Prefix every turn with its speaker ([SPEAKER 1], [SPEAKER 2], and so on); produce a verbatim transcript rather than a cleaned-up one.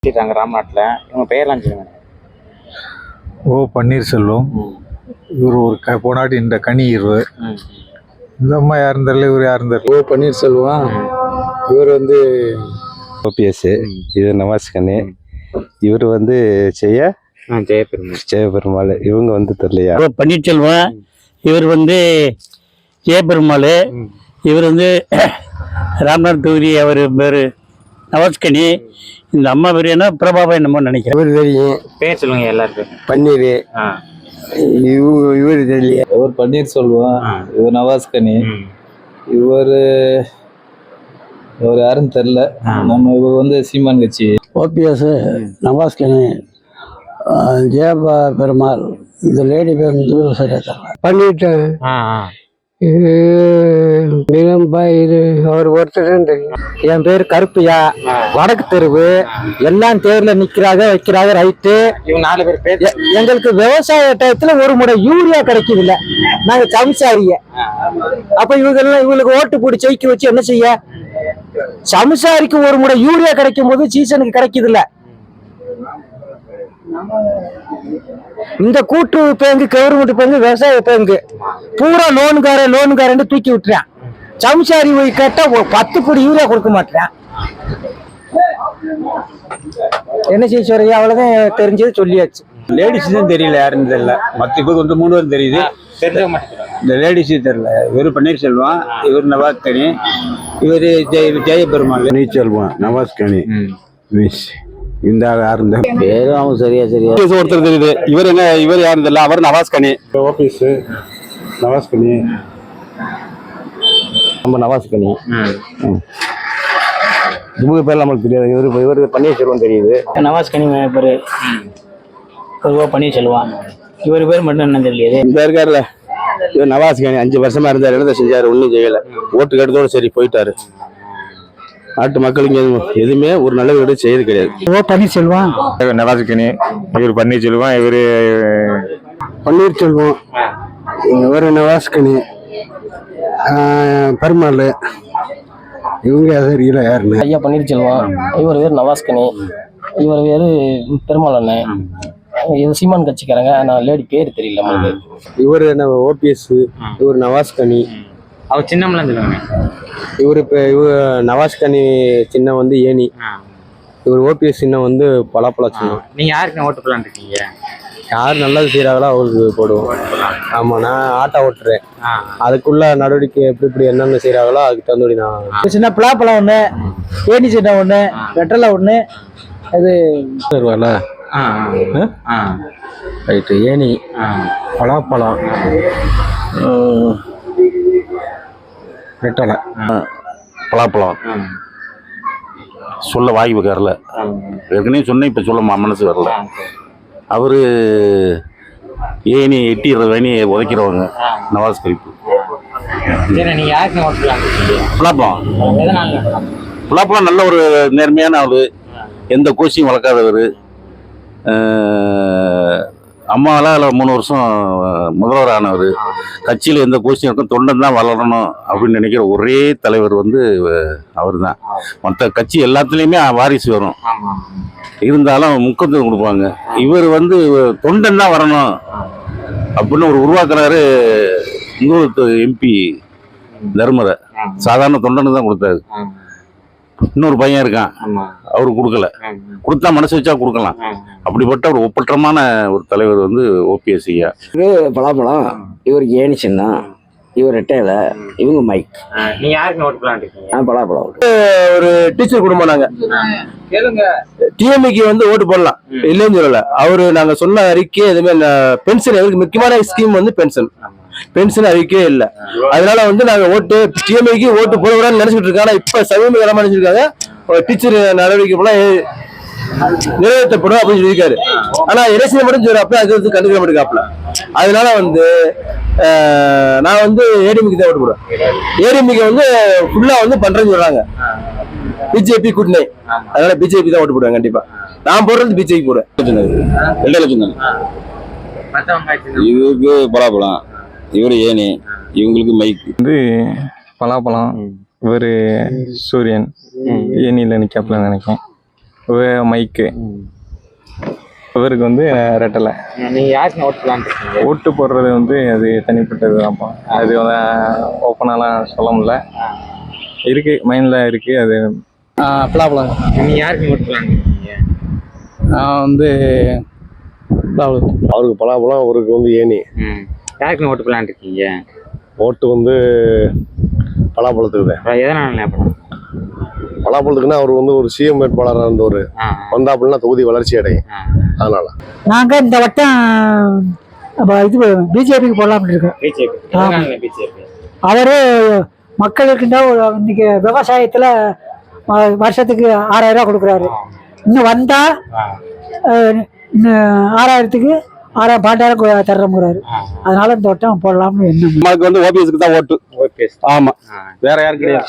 [SPEAKER 1] ராம்நாட்டில் இவங்க பெயர்லாம் சொல்லுங்க.
[SPEAKER 2] ஓ பன்னீர்செல்வம். இவர் ஒரு க போனாட்டி இந்த கனி இருவர். இந்த அம்மா யாரும் தெரியல, இவர் யாரும் தெரியல.
[SPEAKER 3] ஓ பன்னீர்செல்வம். இவர் வந்து
[SPEAKER 4] ஓபிஎஸ். இது நவாஸ் கனி. இவர் வந்து செய்ய
[SPEAKER 1] ஜெயபெருமாள்
[SPEAKER 4] ஜெயபெருமாள். இவங்க வந்து தெரியலையா.
[SPEAKER 5] ஓ பன்னீர்செல்வம். இவர் வந்து ஜெயபெருமாள். இவர் வந்து ராம்நாத் தொகுதி. அவர் பேர் நவாஸ்கனி. இந்த அம்மா பேர் என்ன பிரபாபா என்னமோ நினைக்கிறேன்.
[SPEAKER 3] இவர் தெரியும்.
[SPEAKER 1] பேர் சொல்லுங்க எல்லாருக்கும்.
[SPEAKER 3] பன்னீர். இவ- இவர் தெரியல.
[SPEAKER 2] இவர் பன்னீர்செல்வம். இவர் நவாஸ்கனி. இவர் இவர் யாரும் தெரியல. நம்ம இவர் வந்து சீமான் கட்சி.
[SPEAKER 5] ஓபிஎஸ் நவாஸ்கனி ஜெயபா பெருமாள். இந்த லேடி பேர் வந்து சரியா தெரியல.
[SPEAKER 3] பண்ணிட்டேன். இது அவர் ஒருத்தர் தெரியும்.
[SPEAKER 6] என் பேர் கருப்பையா. வடக்கு தெருவு. எல்லாம் தேர்ல நிக்கிறாங்க வைக்கிறாங்க. ரைட்டு.
[SPEAKER 1] இவங்க நாலு பேர் பேர்
[SPEAKER 6] எ- எங்களுக்கு விவசாய டயத்துல ஒரு முறை யூரியா கிடைக்குது இல்ல. நாங்க சம்சாரிய. அப்ப இவங்க எல்லாம் இவங்களுக்கு ஓட்டு போட்டு ஜெயிக்க வச்சு என்ன செய்ய? சம்சாரிக்கு ஒரு முறை யூரியா கிடைக்கும் போது சீசனுக்கு கிடைக்குது இல்ல. இந்த கூட்டுறவு பேங்கு, கவர்மெண்ட் பேங்கு, விவசாய பேங்கு பூரா லோனுக்கார லோனுக்காரன் தூக்கி விட்டுறான். சம்சாரி போய் கேட்டா ஒரு பத்து கோடி யூரியா கொடுக்க மாட்டேன். என்ன செய்ய சொல்றீங்க? அவ்வளவுதான் தெரிஞ்சது சொல்லியாச்சு.
[SPEAKER 3] லேடிஸ் தான் தெரியல, யாருன்னு தெரியல. மற்ற பேர் வந்து மூணு பேரும் தெரியுது.
[SPEAKER 1] தெரிஞ்சவங்க மட்டும் சொல்லுங்க.
[SPEAKER 3] இந்த லேடிஸ் தெரியல. இவர் பன்னீர்செல்வம். இவர் நவாஸ் கனி. இவர் ஜெய ஜெயபெருமாள். பன்னீர்செல்வம், நவாஸ் கனி. மிஸ் இந்த யாரும்
[SPEAKER 6] பேரும் அவங்க சரியா சரியா
[SPEAKER 4] ஒருத்தர் தெரியுது. இவர் என்ன, இவர் யாரும் தெரியல. அவர் நவாஸ் கனி.
[SPEAKER 3] ஆபீஸ் நவாஸ் கனி.
[SPEAKER 4] நம்ம நவாஸ் கனி. இவங்க பேர் நம்மளுக்கு தெரியாது. இவர் இவர் பன்னீர்செல்வம் தெரியுது.
[SPEAKER 5] நவாஸ் கனி பேர் பொதுவாக பன்னீர்செல்வம். இவர் பேர் மட்டும் என்ன தெரியலையே.
[SPEAKER 4] இந்த இருக்காருல்ல, இவர் நவாஸ் கனி. அஞ்சு வருஷமா இருந்தார். என்ன செஞ்சாரு? ஒன்றும் செய்யல. ஓட்டு கேட்டதோடு சரி போயிட்டாரு. நாட்டு மக்களுக்கு எதுவும் எதுவுமே ஒரு நல்ல வீடு செய்யறது கிடையாது.
[SPEAKER 6] ஓ பன்னீர்செல்வம்.
[SPEAKER 2] நவாஸ் கனி. இவர் பன்னீர்செல்வம். இவர்
[SPEAKER 3] பன்னீர்செல்வம். இவர் நவாஸ் கனி. பெருமாள். இவங்க தெரியல யாருன்னு.
[SPEAKER 6] ஐயா பன்னீர்செல்வம். இவர் பேர் நவாஸ்கனி. இவர் பேரு பெருமாள் அண்ணன். இது சீமான் கட்சிக்காரங்க. நான் லேடி பேர் தெரியல நம்மளுக்கு.
[SPEAKER 4] இவர் என்ன ஓபிஎஸ். இவர் நவாஸ் கனி.
[SPEAKER 1] அவர் சின்னம்லாம் சொல்லுங்க.
[SPEAKER 4] இவர் இப்போ இவர் நவாஸ் கனி சின்னம் வந்து ஏனி. இவர் ஓபிஎஸ் சின்னம் வந்து பலாப்பழ சின்னம்.
[SPEAKER 1] நீங்க யாருக்கு ஓட்டு போடலான்னு இருக்கீங்க?
[SPEAKER 4] யார் நல்லது செய்யறாங்களோ அவருக்கு போடுவோம். ஆமா, நான் ஆட்டோ ஓட்டுறேன். அதுக்குள்ள நடவடிக்கை எப்படி இப்படி என்னென்ன செய்யறாங்களோ அதுக்கு தகுந்தபடி நான்.
[SPEAKER 6] சின்ன பலாப்பழம் ஒண்ணு, ஏனி சின்ன ஒண்ணு, வெட்டலை ஒண்ணு. இது
[SPEAKER 4] வருவால ரைட்டு. ஏனி, பலாப்பழம், வெட்டலை,
[SPEAKER 7] பலாப்பழம் சொல்ல வாய் வரல. ஏற்கனவே சொன்னேன், இப்போ சொல்ல மனசு வரல. அவரு ஏனி எட்டிடுற வேணி உதைக்கிறவங்க நவாஸ் கரிப்பு.
[SPEAKER 1] சரி, நீங்க யாருக்கு ஓட்டு போடலான்னு இருக்கீங்க?
[SPEAKER 7] பலாப்பழம்
[SPEAKER 1] எதனால?
[SPEAKER 7] பலாப்பழம் நல்ல ஒரு நேர்மையான ஆளு. எந்த கோச்சியும் வளர்க்காதவர். அம்மாவெல்லாம் அதில் மூணு வருஷம் முதல்வர் ஆனவர். கட்சியில் எந்த கோச்சியும் இருக்கும், தொண்டன் தான் வளரணும் அப்படின்னு நினைக்கிற ஒரே தலைவர் வந்து அவர் தான். மற்ற கட்சி எல்லாத்துலேயுமே வாரிசு வரும், இருந்தாலும் முக்கியத்துவம் கொடுப்பாங்க. இவர் வந்து தொண்டன் தான் வரணும் அப்படின்னு ஒரு உருவாக்குறாரு. இன்னொரு எம்பி தர்மரை சாதாரண தொண்டனு தான் கொடுத்தாரு. இன்னொரு பையன் இருக்கான், அவரு கொடுக்கல. கொடுத்தா மனசு வச்சா கொடுக்கலாம். அப்படிப்பட்ட ஒரு ஒப்பற்றமான ஒரு தலைவர் வந்து ஓபிஎஸ் ஐயா.
[SPEAKER 6] பலாப்பழம். இவருக்கு ஏனி சின்னம். இவர் ரெட்டையில. இவங்க மைக்.
[SPEAKER 1] நீங்க யாருக்கு ஓட்டு போடலான்னு இருக்கீங்க?
[SPEAKER 6] பலாப்பழம்.
[SPEAKER 4] ஒரு டீச்சர் குடும்பம். நாங்க டிஎம்இக்கு வந்து ஓட்டு போடலாம், இல்லைன்னு சொல்லல. அவரு நாங்க சொன்ன அறிக்கை எதுவுமே பென்ஷன், எங்களுக்கு முக்கியமான ஸ்கீம் வந்து பென்ஷன். பென்ஷன் அறிக்கையே இல்லை. அதனால வந்து நாங்க ஓட்டு டிஎம்ஐக்கு ஓட்டு போடக்கூடாதுன்னு நினைச்சிட்டு இருக்காங்க. இப்ப சமீப காலமா நினைச்சிருக்காங்க டீச்சர் நடவடிக்கை போல நிறைவேற்றப்படும் அப்படின்னு சொல்லியிருக்காரு. ஆனா எலெக்ஷன் மட்டும் சொல்றப்ப அது வந்து கண்டுக்க மாட்டேங்காப்ல. அதனால வந்து நான் வந்து ஏடிஎம்கே தான் ஓட்டு போடுவேன். ஏடிஎம்கே வந்து ஃபுல்லா வந்து பண்றேன்னு சொல்றாங்க. பிஜேபி கூட்டணி. அதனால பிஜேபி தான் ஓட்டு போடுவேன் கண்டிப்பா. நான் போடுறது பிஜேபி போடுவேன். ரெண்டு லட்சம் தானே.
[SPEAKER 7] இவருக்கு பலாப்பழம், இவர் ஏனி, இவங்களுக்கு மைக்.
[SPEAKER 2] வந்து பலாப்பழம். இவர் சூரியன். ஏனியில் நிற்காப்புல நினைக்கிறேன்.
[SPEAKER 8] மைக்கு இவருக்கு வந்து ரெட்டலை.
[SPEAKER 1] நீங்க யாருக்கு ஓட்டு போடலான்னு இருக்கீங்க?
[SPEAKER 8] ஓட்டு போடுறது வந்து அது தனிப்பட்டது தான்ப்பா. அது ஓப்பனாலாம் சொல்ல முடியல. இருக்கு மைண்ட்ல இருக்கு அது.
[SPEAKER 6] பலாப்பழம்.
[SPEAKER 1] நீங்க யாருக்கு ஓட்டு போடலான்னு இருக்கீங்க?
[SPEAKER 6] நான் வந்து
[SPEAKER 9] அவருக்கு பலாப்பழம், அவருக்கு வந்து ஏனி.
[SPEAKER 1] ம். யாருக்கு ஓட்டு போடலான்னு இருக்கீங்க?
[SPEAKER 9] ஓட்டு வந்து பலாப்பழத்துக்கு தான்.
[SPEAKER 1] அப்புறம் எதனால அப்புறம்?
[SPEAKER 9] பலாப்பழத்துக்குன்னா அவர் வந்து ஒரு சிஎம் வேட்பாளராக இருந்தவர்.
[SPEAKER 1] ஆ,
[SPEAKER 9] வந்தா அப்படின்னா தொகுதி வளர்ச்சி அடையும்.
[SPEAKER 1] ஆ.
[SPEAKER 9] அதனால
[SPEAKER 6] நாங்க இந்த வட்டம் அப்ப இது பிஜேபிக்கு போடலாம்னு இருக்கோம்.
[SPEAKER 1] பிஜேபி. எதனால பிஜேபி?
[SPEAKER 6] அவரு மக்களுக்கு இன்னைக்கு விவசாயத்துல அஹ், வருஷத்துக்கு ஆறாயிரம் ரூபாய் கொடுக்குறாரு. இன்னும் வந்தா
[SPEAKER 1] ஆ,
[SPEAKER 6] அஹ், இன்னும் ஆறாயிரத்துக்கு ஆறாயிரம் பன்னெண்டாயிரம் தர்றோங்கிறாரு. அதனால இந்த வட்டம் போடலாம்னு என்ன
[SPEAKER 4] நமக்கு வந்து ஓபிஎஸ்க்கு தான் ஓட்டு.
[SPEAKER 1] ஓகே.
[SPEAKER 4] ஆமா,
[SPEAKER 1] ஆ.
[SPEAKER 4] வேற யாருக்கு கிடையாது.